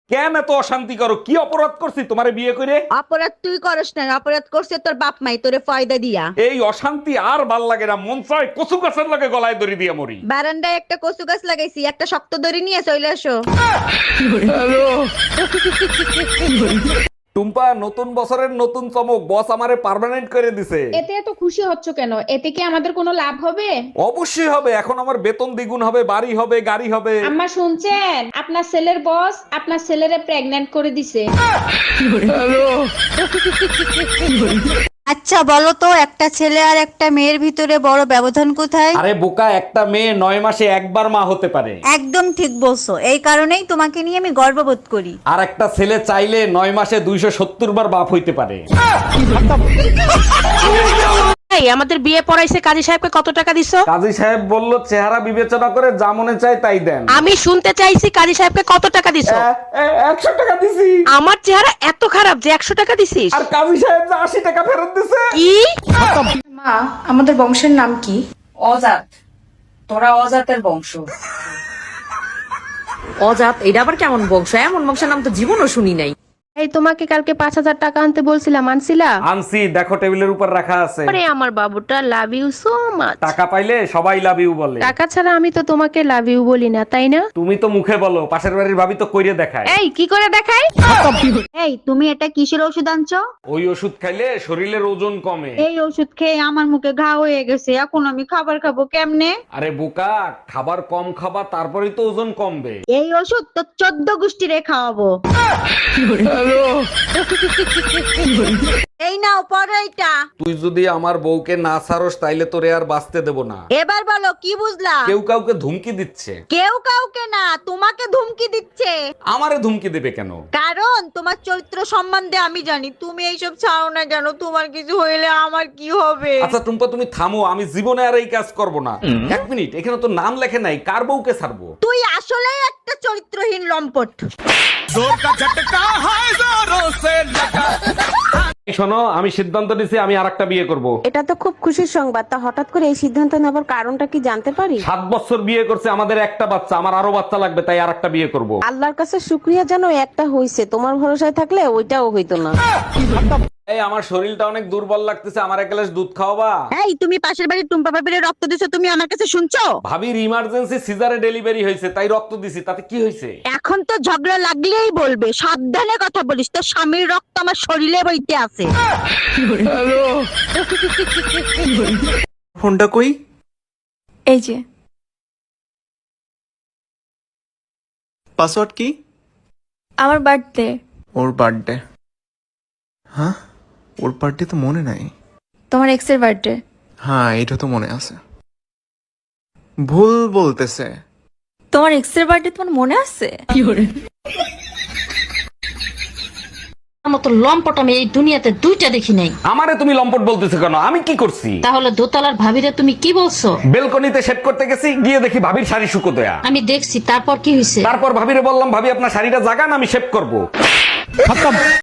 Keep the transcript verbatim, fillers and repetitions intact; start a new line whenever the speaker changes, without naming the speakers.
কেন এত অশান্তি করো? কি অপরাধ করছি তোমারে বিয়ে করে?
অপরাধ তুই করস না, অপরাধ করছে তোর বাপ মাই তোরে ফয়দা দিয়া।
এই অশান্তি আর ভাল লাগে না, মন চায় কচু গাছের লগে গলায় দড়ি দিয়ে মরি।
বারান্দায় একটা কচু গাছ লাগাইছি, একটা শক্ত দড়ি নিয়ে চলে আসো।
টুম্পা, নতুন বছরের নতুন চমক, বস আমারে পার্মানেন্ট করে দিছে।
এতে এত খুশি হচ্ছ কেন? এতে কি আমাদের কোনো লাভ হবে?
অবশ্যই হবে, এখন আমার বেতন দ্বিগুণ হবে, বাড়ি হবে, গাড়ি হবে।
আম্মা শুনছেন, আপনার ছেলের বস আপনার ছেলেরে প্রেগন্যান্ট করে দিছে।
আচ্ছা বলো তো, একটা ছেলে আর একটা মেয়ের ভিতরে বড় ব্যবধান কোথায়?
আরে বোকা, একটা মেয়ে নয় মাসে একবার মা হতে পারে।
একদম ঠিক বলছো, এই কারণেই তোমাকে নিয়ে আমি গর্ববোধ করি।
আর একটা ছেলে চাইলে নয় মাসে দুইশো সত্তর বার বাপ হইতে পারে।
এই আমাদের বিয়ে পড়াইছে কাজী সাহেবকে কত টাকা দিছো?
কাজী সাহেব বলল চেহারা বিবেচনা করে যা মনে চায় তাই দেন।
আমি শুনতে চাইছি কাজী সাহেবকে কত টাকা দিছো?
একশো টাকা দিছি।
আমার চেহারা এত খারাপ যে একশো টাকা দিছিস?
আর কাজী সাহেব যে আশি টাকা ফেরত দিছে।
কি?
মা, আমাদের বংশের নাম কি?
অজাত। তোরা অজাতের বংশ।
অজাত? এটা আবার কেমন বংশ? এমন বংশের নাম তো জীবনও শুনি নাই।
এই তোমাকে কালকে পাঁচ হাজার টাকা আনতে বলছিলাম, আনছিলা?
আনছি, দেখো টেবিলের উপর রাখা আছে।
আরে আমার বাবুটা লাভ ইউ সো মাচ।
টাকা পাইলে সবাই লাভ ইউ বলে।
টাকা ছাড়া আমি তো তোমাকে লাভ ইউ বলি না, তাই না?
তুমি তো মুখে বলো, পাশের বাড়ির ভাবি তো কইরে দেখায়।
এই কি করে দেখাই?
এই তুমি এটা কিসের ওষুধ আনছো?
ওই ওষুধ খাইলে শরীরের ওজন কমে।
এই ওষুধ খেয়ে আমার মুখে ঘা হয়ে গেছে, এখন আমি খাবার খাবো কেমনে?
আরে বোকা, খাবার কম খাবা, তারপরেই তো ওজন কমবে।
এই ওষুধ তো চোদ্দ গোষ্ঠীরে খাওয়াবো। এই নাও পড়ো এটা।
তুই যদি আমার বউকে না ছাড়স তাইলে তোরে আর বাঁচতে দেব না।
এবার বলো কি বুঝলা?
কেউ কাউকে ধুমকি দিচ্ছে।
কেউ কাউকে না, তোমাকে ধুমকি দিচ্ছে।
আমারে ধুমকি দেবে কেন?
কারণ তোমার চরিত্র সম্বন্ধে আমি জানি। তুমি এইসব ছাড়ো না কেন? তোমার কিছু হইলে আমার কি হবে?
আচ্ছা টুম্পা, তুমি থামো, আমি জীবনে আর এই কাজ করব না। এক মিনিট, এখানে তো নাম লেখে নাই, কার বউকে ছাড়বো?
তুই আসলেই একটা চরিত্রহীন লম্পট।
এই শোনো, আমি সিদ্ধান্ত নিছি আমি আর একটা বিয়ে করব।
এটা তো খুব খুশির সংবাদ। তা হঠাৎ করে এই সিদ্ধান্ত নেবার কারণটা কি জানতে পারি?
সাত বছর বিয়ে করছে, আমাদের একটা বাচ্চা, আমার আরো বাচ্চা লাগবে, তাই আর একটা বিয়ে করব।
আল্লাহর কাছে শুক্রিয়া জানো একটা হইছে, তোমার ভরসায় থাকলে ওইটাও হইতো না।
এই আমার শরীরটা অনেক দুর্বল লাগতেছে, আমার এক গ্লাস দুধ খাওয়াবা?
এই তুমি পাশের বাড়ির টুম্পা ভাবিরে রক্ত দিছো, তুমি আমার কাছে শুনছো?
ভাবির ইমার্জেন্সি সিজারে ডেলিভারি হয়েছে, তাই রক্ত দিছি, তাতে কি হয়েছে?
এখন তো ঝগড়া লাগলেই বলবে, সাবধানে কথা বলিস, তোর স্বামীর রক্ত আমার শরীরে বইতে আছে।
ফোনটা কই?
এই যে।
পাসওয়ার্ড কি?
আমার বার্থডে।
ওর বার্থডে? হ্যাঁ, ওর বার্থডে তো মনে নাই।
তোমার এক্স এর বার্থডে।
হ্যাঁ, এটা তো মনে আছে। ভুল বলতেছে।
তোমার এক্স এর বার্থডে তোমার মনে আছে?
মতো লম্পট আমি এই দুনিয়াতে দুইটা দেখি নাই।
আমারে তুমি লম্পট বলতেছো কেন? আমি কি করছি?
তাহলে দোতলার ভাবিরে তুমি কি বলছো?
বেলকনিতে শেভ করতে গেছি, গিয়ে দেখি ভাবির শাড়ি শুকো দেয়া।
আমি দেখছি, তারপর কি হয়েছে?
তারপর ভাবিরে বললাম, ভাবি আপনার শাড়িটা জাগান, আমি শেভ করব।